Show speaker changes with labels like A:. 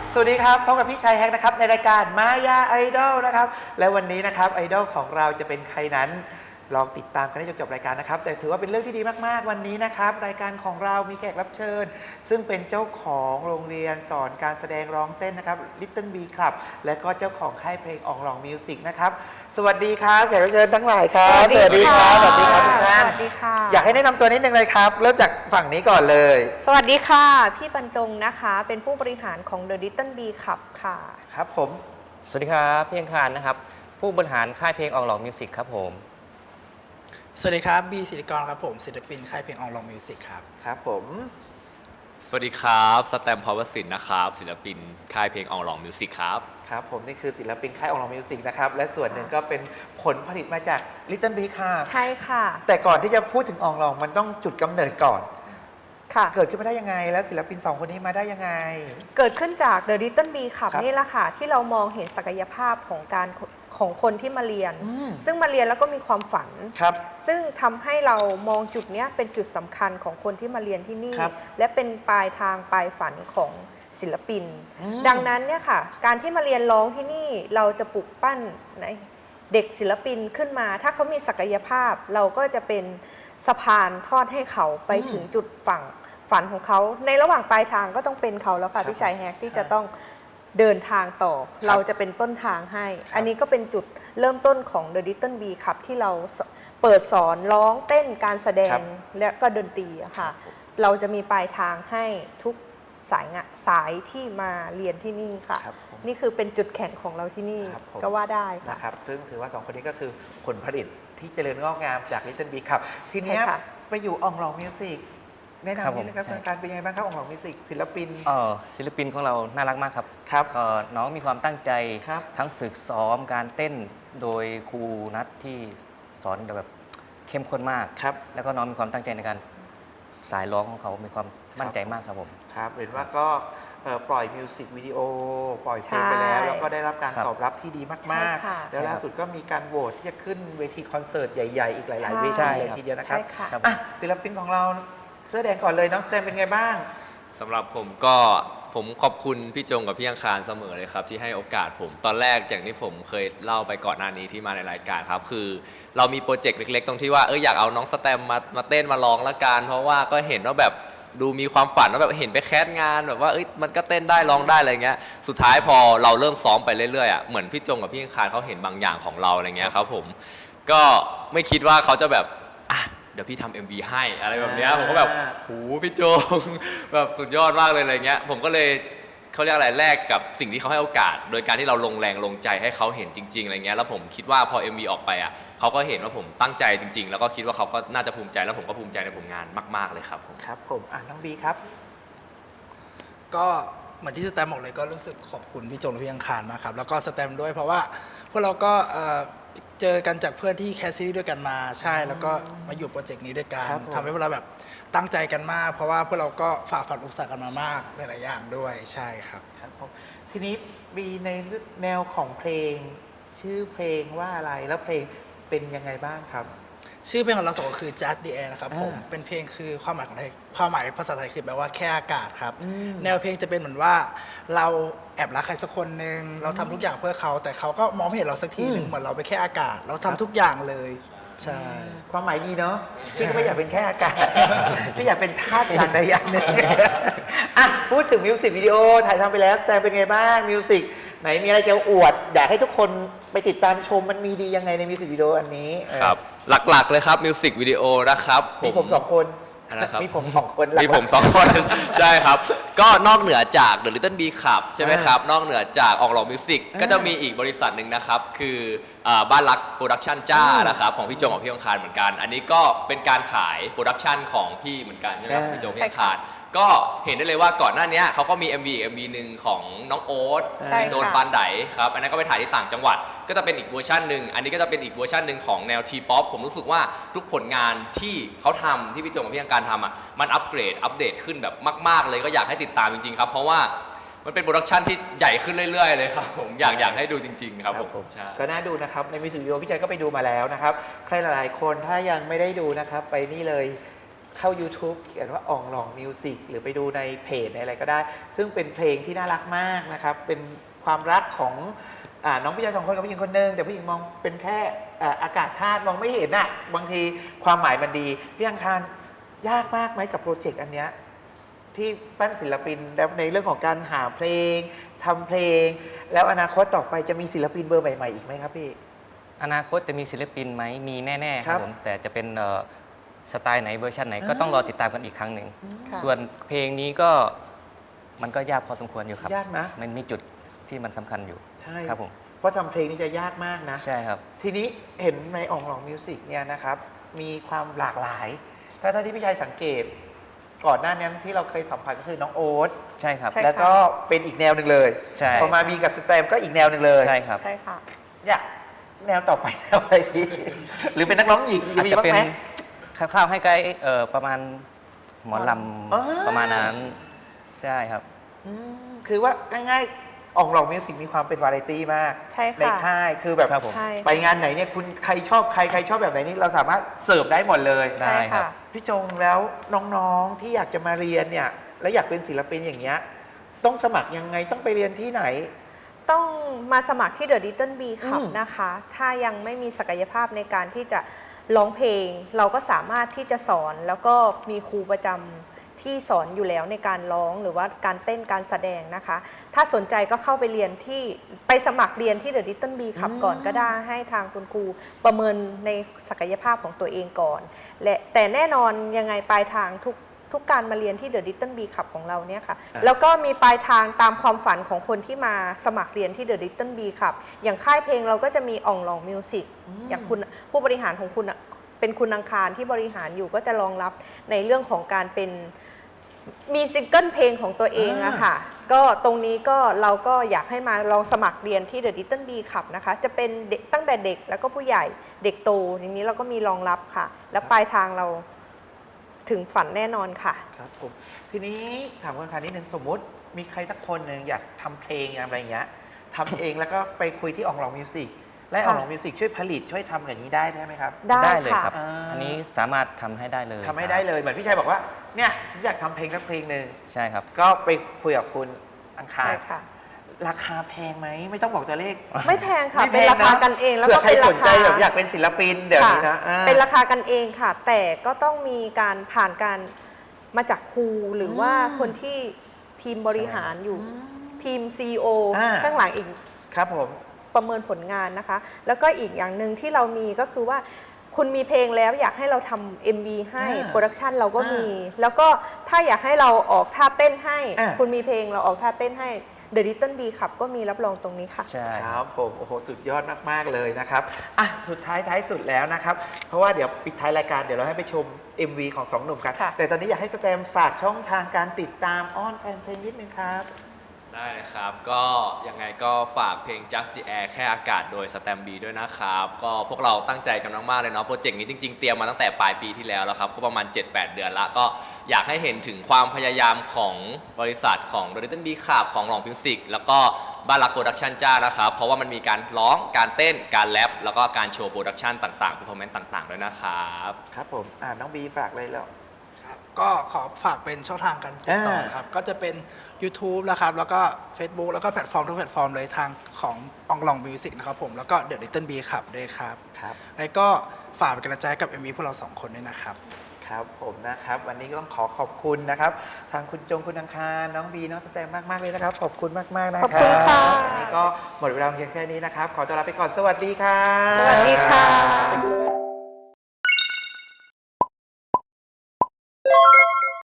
A: สวัสดีครับพบกับพี่ชายแฮกนะครับในรายการมายาไอดอลนะครับและวันนี้นะครับไอดอลของเราจะเป็นใครนั้นลองติดตามกันให้จบรายการนะครับแต่ถือว่าเป็นเรื่องที่ดีมากๆวันนี้นะครับรายการของเรามีแขกรับเชิญซึ่งเป็นเจ้าของโรงเรียนสอนการแสดงร้องเต้นนะครับ Little B Club และก็เจ้าของค่ายเพลงอองลองมิวสิกนะครับสวัสดีครับแขกรับเชิญทั้งหลายครับ
B: สวัสดีครับ
A: สวัสดีครับทุกท่าน
B: สวัสดีค่ะ
A: อยากให้แนะนำตัวนิดนึงเลยครับเริ่มจากฝั่งนี้ก่อนเลย
B: สวัสดีค่ะพี่บรรจงนะคะเป็นผู้บริหารของ The Little B Club ค่ะ
A: ครับผม
C: สวัสดีครับพี่อังคารนะครับผู้บริหารค่ายเพลงอองลองมิวสิกครับผม
D: สวัสดีครับบีศิริกรครับผมศิลปินค่ายเพลงอองลองมิวสิกครับ
A: ครับผม
E: สวัสดีครับสแตมพาวเวอร์สินนะครับศิลปินค่ายเพลงอองลองมิวสิกครับ
A: ครับผมนี่คือศิลปินค่ายอองลองมิวสิกนะครับและส่วนหนึ่งก็เป็นผลผลิตมาจาก Little Big ค่ะ
B: ใช่ค่ะ
A: แต่ก่อนที่จะพูดถึงอองลองมันต้องจุดกำเนิดก่อน
B: ค่ะ
A: เกิดขึ้นมาได้ยังไงแล้วศิลปิน2คนนี้มาได้ยังไง
B: เกิดขึ้นจาก The Little B Club
A: ครับ
B: นี่แหละค่ะที่เรามองเห็นศักยภาพของคนที่มาเรียนซึ่งมาเรียนแล้วก็มีความฝัน
A: ครับ
B: ซึ่งทำให้เรามองจุดนี้เป็นจุดสำคัญของคนที่มาเรียนที่นี่
A: ครับ
B: และเป็นปลายทางปลายฝันของศิลปินดังนั้นเนี่ยค่ะการที่มาเรียนร้องที่นี่เราจะปลุกปั้นเด็กศิลปินขึ้นมาถ้าเขามีศักยภาพเราก็จะเป็นสะพานทอดให้เขาไปถึงจุดฝันของเขาในระหว่างปลายทางก็ต้องเป็นเขาแล้วค่ะพี่ชายแฮกที่จะต้องเดินทางต่อเราจะเป็นต้นทางให้อันนี้ก็เป็นจุดเริ่มต้นของ The Little B Club ที่เราเปิดสอนร้องเต้นการแสดงและก็ดนตรีอะค่ะเราจะมีปลายทางให้ทุกสายที่มาเรียนที่นี่ค่ะนี่คือเป็นจุดแข็งของเราที่นี่ก็ว่าได้ค่ะ
A: นะครับซึ่งถือว่า2คนนี้ก็คือผลผลิตที่เจริญงอกงามจาก Little B Club ทีนี้ไปอยู่อองลองมิวสิกแนะนำนิดนึงครับการเป็นยังไงบ้างครับอองลองมิวสิกศิลปิน
C: ศิลปินของเราน่ารักมากครับ
A: ครับ
C: น้องมีความตั้งใจ
A: ครับ
C: ทั้งฝึกซ้อมการเต้นโดยครูนัทที่สอนแบบเข้มข้นมาก
A: ครับ
C: แล้วก็น้องมีความตั้งใจในการสายร้องของเขามีความมั่นใจมากครับผม
A: ครับเห็นว่าก็ปล่อยมิวสิกวิดีโอปล่อยเพลงไปแล้วแล้วก็ได้รับการตอบรับที่ดีมากๆแล้วล่าสุดก็มีการโหวตที่จะขึ้นเวทีคอนเสิร์ตใหญ่ๆอีกหลายๆเวทีเลยทีเดียวนะครับศิลปินของเราเสื้อแดงก่อนเลยน้องสแตมเป็นไงบ้าง
E: สำหรับผมขอบคุณพี่จงกับพี่อังคารเสมอเลยครับที่ให้โอกาสผมตอนแรกอย่างที่ผมเคยเล่าไปก่อนหน้านี้ที่มาในรายการครับคือเรามีโปรเจกต์เล็กๆตรงที่ว่าอยากเอาน้องสแตมมาเต้นมาร้องละกันเพราะว่าก็เห็นว่าแบบดูมีความฝันว่าแบบเห็นไปแคสงานแบบว่ามันก็เต้นได้ร้องได้อะไรเงี้ยสุดท้ายพอเราเริ่มซ้อมไปเรื่อยๆเหมือนพี่จงกับพี่อังคารเขาเห็นบางอย่างของเราอะไรเงี้ยครับผมก็ไม่คิดว่าเขาจะแบบเดี๋ยวพี่ทำ MV ให้อะไรแบบนี้ผมก็แบบหูพี่โจงแบบสุดยอดมากเลยอะไรเงี้ยผมก็เลยเขาเรียกอะไรแลกกับสิ่งที่เขาให้โอกาสโดยการที่เราลงแรงลงใจให้เขาเห็นจริงๆอะไรเงี้ยแล้วผมคิดว่าพอ MV ออกไปเขาก็เห็นว่าผมตั้งใจจริงๆแล้วก็คิดว่าเขาก็น่าจะภูมิใจแล้วผมก็ภูมิใจในผลงานมากๆเลยครับผม
A: ครับผมน้องบีครับ
D: ก็เหมือนที่สแตมบอกเลยก็รู้สึกขอบคุณพี่จงและพี่อังคารมากครับแล้วก็สแตมด้วยเพราะว่าพวกเราก็เจอกันจากเพื่อนที่แคสซีรีส์ด้วยกันมาใช่แล้วก็มาอยู่โปรเจกต์นี้ด้วยกันทำให้พวกเราแบบตั้งใจกันมากเพราะว่าพวกเราก็ฝ่าฟันอุปสรรคกันมามากหลายๆอย่างด้วยใช่ครับ
A: ครับผมทีนี้มีในแนวของเพลงชื่อเพลงว่าอะไรแล้วเพลงเป็นยังไงบ้างครับ
D: ชื่อเพลงของเราสองก็คือ Just the Air นะครับผมเป็นเพลงคือความหมายของไทยความหมายภาษาไทยคือแปลว่าแค่อากาศครับแนวเพลงจะเป็นเหมือนว่าเราแอบรักใครสักคนหนึ่งเราทำทุกอย่างเพื่อเขาแต่เขาก็มองไม่เห็นเราสักทีหนึ่งเหมือนเราไปแค่อากาศเราทำทุกอย่างเลยใช่
A: ความหมายดีเนาะชื่อก็ไม่อยากเป็นแค่อากาศที่อยากเป็นธาตุอย่างใดอย่างหนึ่งพูดถึงมิวสิกวิดีโอถ่ายทำไปแล้วแต่เป็นไงบ้างมิวสิกไหนมีอะไรจะอวดอยากให้ทุกคนไปติดตามชมมันมีดียังไงในมิวสิกวิดีโออันนี้
E: ครับหลักๆเลยครับมิวสิกวิดีโอนะครับ
A: มีผม2 คนมีผม2 คน
E: มีผม2 คนใช่ครับก็นอกเหนือจาก The Little B Club ใช่ไหมครับนอกเหนือจากอองลองมิวสิกก็จะมีอีกบริษัทหนึ่งนะครับคือบ้านรักโปรดักชั่นจ้านะครับของพี่จงกับพี่อังคารเหมือนกันอันนี้ก็เป็นการขายโปรดักชั่นของพี่เหมือนกันใช่ไหมครับพี่จงพี่อังคารก็เห็นได้เลยว่าก่อนหน้านี้เขาก็มี MV หนึ่งของน้องโอ๊ตโดนปานไดครับอันนั้นก็ไปถ่ายที่ต่างจังหวัดก็จะเป็นอีกเวอร์ชันหนึ่งอันนี้ก็จะเป็นอีกเวอร์ชันหนึ่งของแนวทีป๊อปผมรู้สึกว่าทุกผลงานที่เขาทำที่พี่จงกับพี่อังคารทำมันอัปเกรดอัปเดตขึ้นแบบมากๆเลยก็อยากให้ติดตามจริงๆครับเพราะว่ามันเป็นโปรดักชันที่ใหญ่ขึ้นเรื่อยๆเลยครับผมอยากให้ดูจริงๆครับผม
A: ก็น่าดูนะครับในมิวสิกวิดีโอพี่ใจก็ไปดูมาแล้วนะครับใครหลายๆคนถ้ายังไม่ได้ดูนะครับไปนี่เลยเข้า YouTube เขียนว่าอ่องหลองมิวสิกหรือไปดูในเพจในอะไรก็ได้ ซึ่งเป็นเพลงที่น่ารักมากนะครับ เป็นความรักของน้องผู้ชาย2 คนกับผู้หญิงคนหนึงแต่ผู้หญิงมองเป็นแค่อากาศธาตุมองไม่เห็นอะบางทีความหมายมันดีพี่อังคารยากมากไหมกับโปรเจกต์อันเนี้ยที่ปั้นศิลปินแล้วในเรื่องของการหาเพลงทำเพลง แล้วอนาคตต่อไปจะมีศิลปินเบอร์ใหม่ๆอีกไหมครับพี่
C: อนาคตจะมีศิลปินไหมมีแน่ๆค
A: ครั
C: รับบ ผมแต่จะเป็นสไตล์ไหนเวอร์ชันไหนก็
A: อ่า
C: ต้องรอติดตามกันอีกครั้งหนึ่ง
B: ค่ะ
C: ส่วนเพลงนี้ก็มันก็ยากพอสมควรอยู่ครับ
A: ยากนะ
C: มันมีจุดที่มันสำคัญอยู่
A: ใช่
C: ครับผม
A: เพราะทำเพลงนี่จะยากมากนะ
C: ใช่ครับ
A: ทีนี้เห็นในอ่องหลองมิวสิกเนี่ยนะครับ มีความหลากหลาย ถ้าที่พี่ชัยสังเกต ก่อนหน้านี้ที่เราเคยสัมผัสก็คือน้องโอ๊ต
C: ใช่ครับ
B: ใช่
A: แล้วก็เป็นอีกแนวหนึ่งเลย
C: ใช่
A: พอมามีกับสแตมก็อีกแนวหนึ่งเลย
C: ใช่ครับ
B: ใช่ค่ะ
A: อยากแนวต่อไปแนวอะไรดีหรือเป็นนักร้องหญิง
C: อาจ
A: มี
C: จะ
A: บ้าง
C: เป็น
A: ไหม
C: คร่าวๆให้ใกล้ประมาณหมอล
A: อ๋อ
C: ำประมาณนั้น ใช่ครับ
A: คือว่าง่ายๆอ่องหลองมิวสิกมีความเป็นวาไรตี้มาก
B: ใช่ค่ะ
A: ในค่ายคือแบบ
C: ครับผม
B: ใช่
A: ไปงานไหนเนี่ยคุณใครชอบใครชอบแบบไหนนี่เราสามารถเสิร์ฟได้หมดเลย
C: ได้
B: ใช่
C: ครั
B: ค่ะ
C: บ
A: พี่จงแล้วน้องๆที่อยากจะมาเรียนเนี่ยและอยากเป็นศิลปินอย่างเงี้ยต้องสมัครยังไงต้องไปเรียนที่ไหน
B: ต้องมาสมัครที่ The Little Bee Club
A: อืม
B: นะคะ ถ้ายังไม่มีศักยภาพในการที่จะร้องเพลง เราก็สามารถที่จะสอนแล้วก็มีครูประจำที่สอนอยู่แล้วในการร้องหรือว่าการเต้นการแสดงนะคะ ถ้าสนใจก็เข้าไปเรียนที่ไปสมัครเรียนที่ The Little Bee Club ก่อนก็ได้ให้ทางคุณครูประเมินในศักยภาพของตัวเองก่อน และแต่แน่นอนยังไงปลายทางทุกการมาเรียนที่ The Little Bee Club ของเราเนี่ยค่ะ แล้วก็มีปลายทางตามความฝันของคนที่มาสมัครเรียนที่ The Little Bee Club อย่างค่ายเพลงเราก็จะมีอ่องหลองมิวสิกอย่างคุณผู้บริหารของคุณอะเป็นคุณอังคารที่บริหารอยู่ก็จะรองรับในเรื่องของการเป็นมีซิงเกิลเพลงของตัวเองอะค่ะ ก็ตรงนี้ก็เราก็อยากให้มาลองสมัครเรียนที่ The Little Bee Club นะคะ จะเป็นเด็กตั้งแต่เด็กแล้วก็ผู้ใหญ่เด็กโตอย่างนี้เราก็มีรองรับค่ะ และปลายทางเราถึงฝันแน่นอนค่ะ
A: ครับผมทีนี้ถามคุณคานิดนึงสมมุติมีใครสักคนหนึ่งอยากทำเพลงอะไรอย่างเงี้ยทำเองแล้วก็ไปคุยที่อ่องหลองมิวสิกและอ่องหลองมิวสิกช่วยผลิตช่วยทำอย่างนี้ได้ไหมครับ
B: ได้
C: ได้เลย
B: ค่ะ
C: ครับ
A: อ่า
C: อันนี้สามารถทำให้ได้เลย
A: ทำให้ได้เลยเหมือนพี่ชัยบอกว่าเนี่ยฉันอยากทำเพลงสักเพลงหนึ่ง
C: ใช่ครับ
A: ก็ไปคุยกับคุณอังคาร
B: ใช่ค่ะ
A: ราคาแพงไหมไม่ต้องบอกตัวเลข
B: ไม่แพงค่ะ
A: ไม่แพ
B: เป็น
A: ง
B: ราคา
A: นะ
B: กันเองแล้ว
A: เผื่
B: ก็
A: อใคร
B: เป็นรา
A: สนใจ
B: คา
A: แบบอยากเป็นศิลปินเดี๋ยวนี้นะ
B: ค่
A: อ่า
B: เป็นราคากันเองค่ะ แต่ก็ต้องมีการผ่านการมาจากครูหรือว่าคนที่ทีมบริหารอยู่ทีม CEO
A: อ่า
B: ข้างหลังอีก
A: ครับผม
B: ประเมินผลงานนะคะ แล้วก็อีกอย่างหนึ่งที่เรามีก็คือว่าคุณมีเพลงแล้วอยากให้เราทำ MV ให้โปรดักชันเราก็มี แล้วก็ถ้าอยากให้เราออกท่าเต้นให้ คุณมีเพลงเราออกท่าเต้นให้ The Little Bee Club ก็มีรับรองตรงนี้ค่ะ
C: ใช่
A: ครับผมโอ้โหสุดยอดมากๆเลยนะครับอ่ะสุดท้ายสุดแล้วนะครับ เพราะว่าเดี๋ยวปิดท้ายรายการเดี๋ยวเราให้ไปชม MV ของสองหนุ่มกัน
B: ค่ะ
A: แต่ตอนนี้อยากให้สแตมฝากช่องทางการติดตามอ้อนแฟนเพลงนิดนึงครับ
E: ได้นะครับ ก็ยังไงก็ฝากเพลง Just the Air แค่อากาศโดย Stamp B ด้วยนะครับ ก็พวกเราตั้งใจกันมากๆเลยเนาะโปรเจกต์นี้จริงๆ เตรียมมาตั้งแต่ปลายปีที่แล้วครับ ก็ประมาณ 7-8 เดือนละก็อยากให้เห็นถึงความพยายามของบริษัทของ The Little Bee Club ของหลองมิวสิกแล้วก็บ้านรักโปรดักชันจ้านะครับ เพราะว่ามันมีการร้องการเต้นการแรปแล้วก็การโชว์โปรดักชันต่างๆ performance ต่างๆ ด้วยนะครับ
A: ครับผมน้องบีฝากเลยแล้ว
D: ครับก็ขอฝากเป็นช่องทางการติดต่อครับ ก็จะเป็น YouTube นะครับ แล้วก็ Facebook แล้วก็แพลตฟอร์มทุกแพลตฟอร์มเลยทางของอองลองมิวสิกนะครับผม แล้วก็ The Little Bee Club ด้วยครับ
A: ครับ
D: แล้วก็ฝากเป็นกำลังใจให้กับ MV พวกเรา 2 คนด้วยนะครับ
A: ครับผมนะครับวันนี้ก็ต้องขอบคุณนะครับทางคุณจงคุณอังคารน้องบีน้องสแตมมากๆเลยนะครับขอบคุณมากๆนะครับ
B: ขอบคุณค่ะ
A: วันนี้ก็หมดเวลาเพียงแค่นี้นะครับขอตัวลาไปก่อนสวัสดีครับ
B: สวัสดีค่ะ